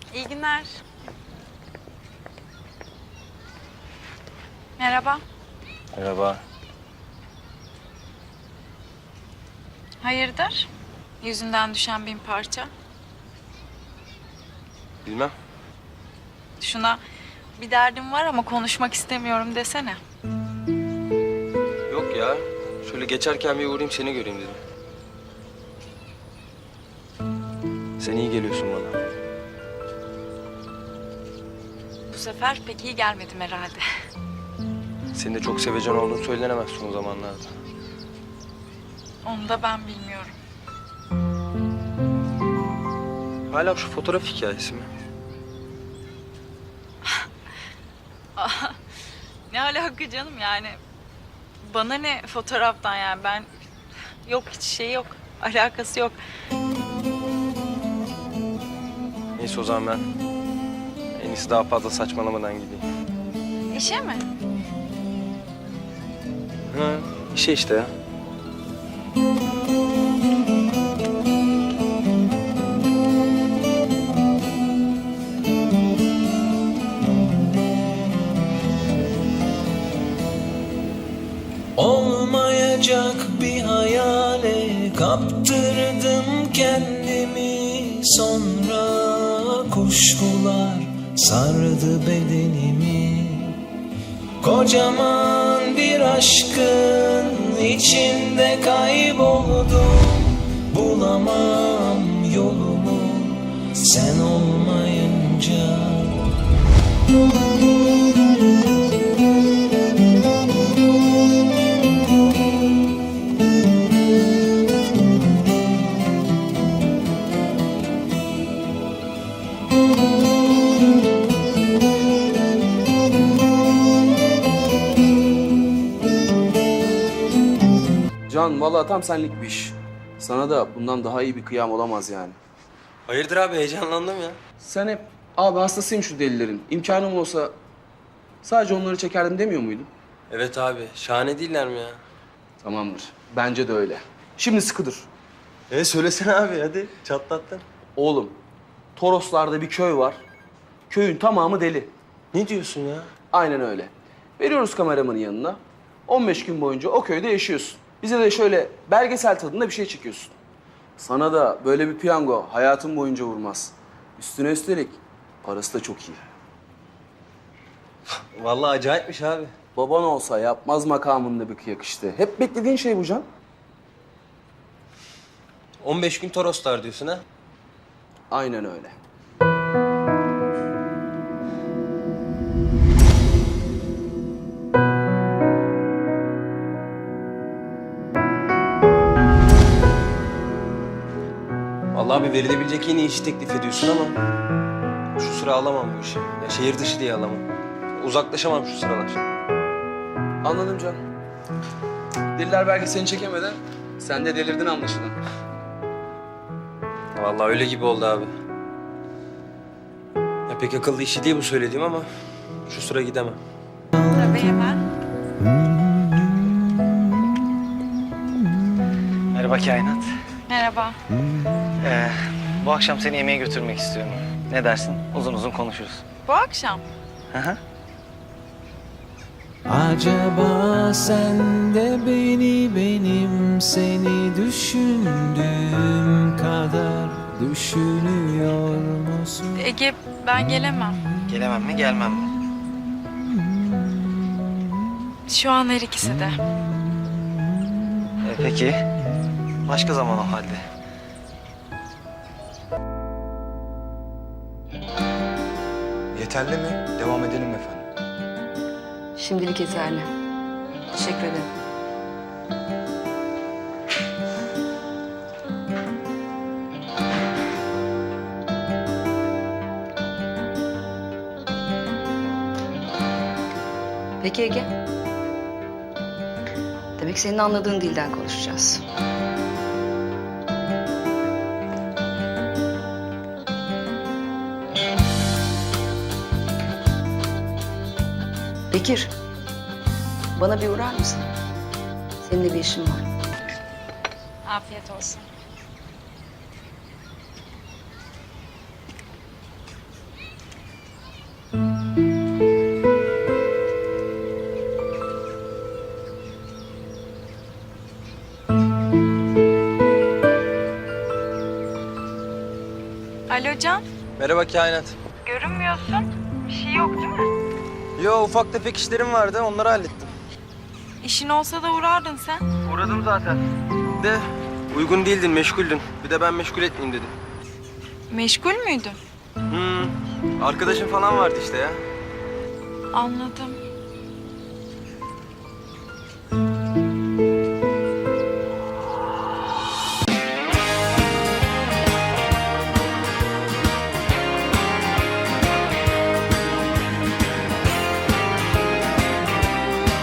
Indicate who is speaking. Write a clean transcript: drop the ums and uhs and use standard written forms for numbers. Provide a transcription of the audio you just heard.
Speaker 1: İyi günler. Merhaba.
Speaker 2: Merhaba.
Speaker 1: Hayırdır? Yüzünden düşen bin parça.
Speaker 2: Bilmem.
Speaker 1: Şuna bir derdim var ama konuşmak istemiyorum desene.
Speaker 2: Yok ya. Şöyle geçerken bir uğrayayım seni göreyim dedim. Sen iyi geliyorsun bana.
Speaker 1: Bu sefer pek iyi gelmedim herhalde.
Speaker 2: Senin de çok sevecen olduğunu söylenemez son zamanlarda.
Speaker 1: Onu da ben bilmiyorum.
Speaker 2: Hala şu fotoğraf hikayesi mi?
Speaker 1: Ne alaka canım yani? Bana ne fotoğraftan yani ben... Yok hiç şey yok. Alakası yok.
Speaker 2: Neyse o zaman ben en iyisi daha fazla saçmalamadan gideyim.
Speaker 1: İşe mi?
Speaker 2: Ha, işe işte ya.
Speaker 3: Olmayacak bir hayale kaptırdım kendimi. Sonra kuşkular sardı bedenimi. Kocaman bir aşkın içinde kayboldum. Bulamam yolumu sen olmayınca.
Speaker 4: Can vallahi tam senlik bir iş. Sana da bundan daha iyi bir kıyam olamaz yani.
Speaker 2: Hayırdır abi heyecanlandım ya.
Speaker 4: Sen hep abi hastasıyım şu delilerin. İmkanım olsa sadece onları çekerdim demiyor muydun?
Speaker 2: Evet abi şahane değiller mi ya?
Speaker 4: Tamamdır. Bence de öyle. Şimdi sıkı dur.
Speaker 2: Söylesene abi hadi çatlattın.
Speaker 4: Oğlum, Toroslar'da bir köy var. Köyün tamamı deli.
Speaker 2: Ne diyorsun ya?
Speaker 4: Aynen öyle. Veriyoruz kameramanın yanına. 15 gün boyunca o köyde yaşıyorsun. Bize de şöyle belgesel tadında bir şey çekiyorsun. Sana da böyle bir piyango hayatın boyunca vurmaz. Üstüne üstelik parası da çok iyi.
Speaker 2: Vallahi acayipmiş abi.
Speaker 4: Baban olsa yapmaz makamında bir kıyak işte. Hep beklediğin şey bu Can.
Speaker 2: 15 gün Toroslar diyorsun ha?
Speaker 4: Aynen öyle.
Speaker 2: Vallahi bir verilebilecek en iyi işi teklif ediyorsun ama şu sıra alamam bu işi. Ya şehir dışı diye alamam. Uzaklaşamam şu sıralar.
Speaker 4: Anladım Can. Deliler belgeselini çekemeden sen de delirdin anlaşılan.
Speaker 2: Vallahi öyle gibi oldu abi. Ya pek akıllı işi değil bu söylediğim ama şu sıra gidemem.
Speaker 1: Tabii hemen.
Speaker 5: Merhaba Kainat.
Speaker 1: Merhaba.
Speaker 5: Bu akşam seni yemeğe götürmek istiyorum. Ne dersin? Uzun uzun konuşuruz.
Speaker 1: Bu akşam.
Speaker 5: Hı hı.
Speaker 3: Acaba sen de beni benim seni düşündüğüm kadar düşünüyor musun?
Speaker 1: Ege ben gelemem.
Speaker 5: Gelemem mi, gelmem mi?
Speaker 1: Şu an her ikisi de.
Speaker 5: Peki. Başka zaman o halde.
Speaker 6: Yeterli mi? Devam edelim efendim.
Speaker 7: Şimdilik yeterli. Teşekkür ederim. Peki Ege. Demek senin anladığın dilden konuşacağız. Bekir, bana bir uğrar mısın? Seninle bir işim var.
Speaker 1: Afiyet olsun. Alo Can.
Speaker 2: Merhaba kainat.
Speaker 1: Görünmüyorsun. Bir şey yok değil mi?
Speaker 2: Yo ufak tefek işlerim vardı onları hallettim.
Speaker 1: İşin olsa da uğrardın sen.
Speaker 2: Uğradım zaten. De uygun değildin meşguldün. Bir de ben meşgul etmeyeyim dedim.
Speaker 1: Meşgul müydün?
Speaker 2: Arkadaşın falan vardı işte ya.
Speaker 1: Anladım.